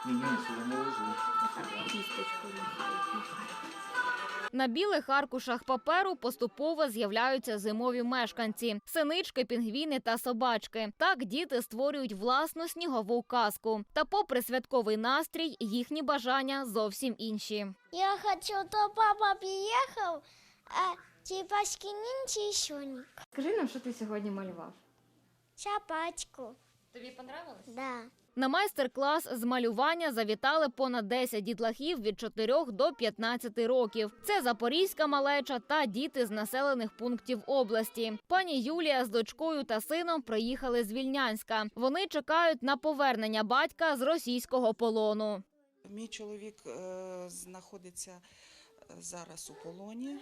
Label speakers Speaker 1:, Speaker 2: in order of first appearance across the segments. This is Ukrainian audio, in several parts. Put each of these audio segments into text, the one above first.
Speaker 1: Ні, сюди не лежу.
Speaker 2: На білих аркушах паперу поступово з'являються зимові мешканці – синички, пінгвіни та собачки. Так діти створюють власну снігову казку. Та попри святковий настрій, їхні бажання зовсім інші.
Speaker 3: Я хочу, то папа приехал, а типа скинь еще
Speaker 2: Скажи нам, що ти сьогодні малював?
Speaker 3: собачку.
Speaker 2: Тобі понравилось?
Speaker 3: Да.
Speaker 2: На майстер-клас з малювання завітали понад 10 дітлахів від 4 до 15 років. Це запорізька малеча та діти з населених пунктів області. Пані Юлія з дочкою та сином приїхали з Вільнянська. Вони чекають на повернення батька з російського полону.
Speaker 4: Мій чоловік знаходиться зараз у полоні,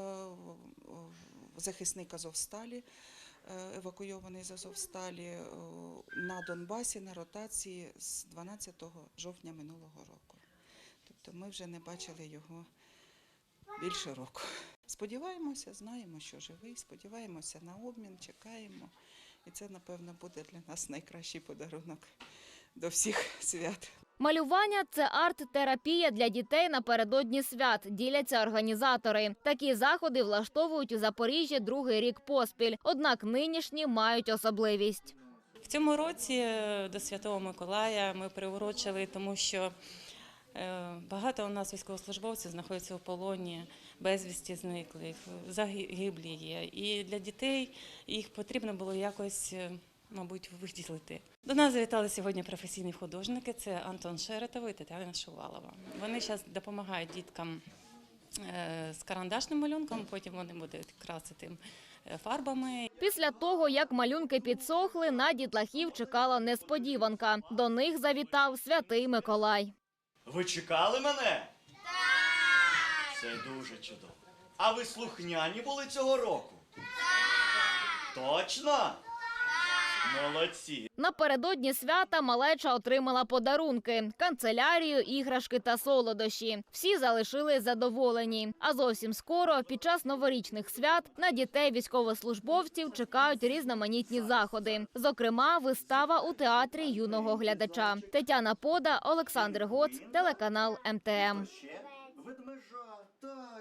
Speaker 4: захисник Азовсталі, евакуйований з Азовсталі на Донбасі на ротації з 12 жовтня минулого року. Тобто ми вже не бачили його більше року. Сподіваємося, знаємо, що живий, сподіваємося на обмін, чекаємо. І це, напевно, буде для нас найкращий подарунок до всіх свят.
Speaker 2: Малювання – це арт-терапія для дітей напередодні свят, діляться організатори. Такі заходи влаштовують у Запоріжжі другий рік поспіль, однак нинішні мають особливість.
Speaker 5: В цьому році до Святого Миколая ми приурочили, тому що багато у нас військовослужбовців знаходяться у полоні, безвісті зниклих, загиблі є. І для дітей їх потрібно було якось, мабуть, виділити. До нас завітали сьогодні професійні художники, це Антон Шеретов і Тетяна Шувалова. Вони зараз допомагають діткам з карандашним малюнком, потім вони будуть красити фарбами.
Speaker 2: Після того, як малюнки підсохли, на дітлахів чекала несподіванка. До них завітав Святий Миколай.
Speaker 6: Ви чекали мене? Так! Це дуже чудово. А ви слухняні були цього року? Так! Точно? Так! Молодці!
Speaker 2: Напередодні свята малеча отримала подарунки – канцелярію, іграшки та солодощі. Всі залишились задоволені. А зовсім скоро, під час новорічних свят, на дітей військовослужбовців чекають різноманітні заходи. Зокрема, вистава у театрі юного глядача. Тетяна Пода, Олександр Гоц, телеканал МТМ.